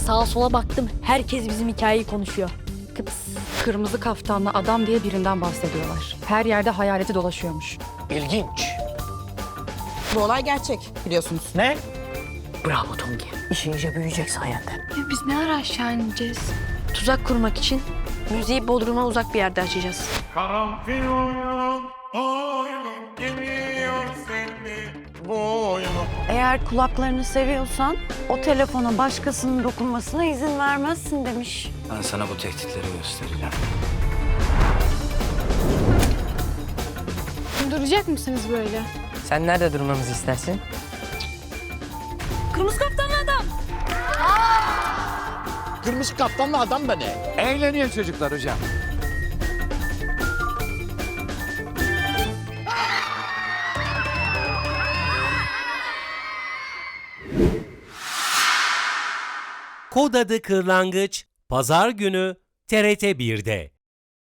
Sağa sola baktım, herkes bizim hikayeyi konuşuyor. Kıps. Kırmızı kaftanlı adam diye birinden bahsediyorlar. Her yerde hayaleti dolaşıyormuş. İlginç. Bu olay gerçek biliyorsunuz. Ne? Bravo Tongi. İşin iyice büyüyecek sayende. Ya biz ne ara aşağı ineceğiz? Tuzak kurmak için müziği Bodrum'a uzak bir yerde açacağız. Karanfil oyunum geliyor seni boyunu. Eğer kulaklarını seviyorsan o telefona başkasının dokunmasına izin vermezsin demiş. Ben sana bu tehditleri göstereceğim. Duracak mısınız böyle? Sen nerede durmamızı istersin? Kırmızı kaptanlı adam. Kırmızı kaptanlı adam da ne? Eğleniyor çocuklar hocam. Kod adı Kırlangıç, Pazar günü TRT 1'de.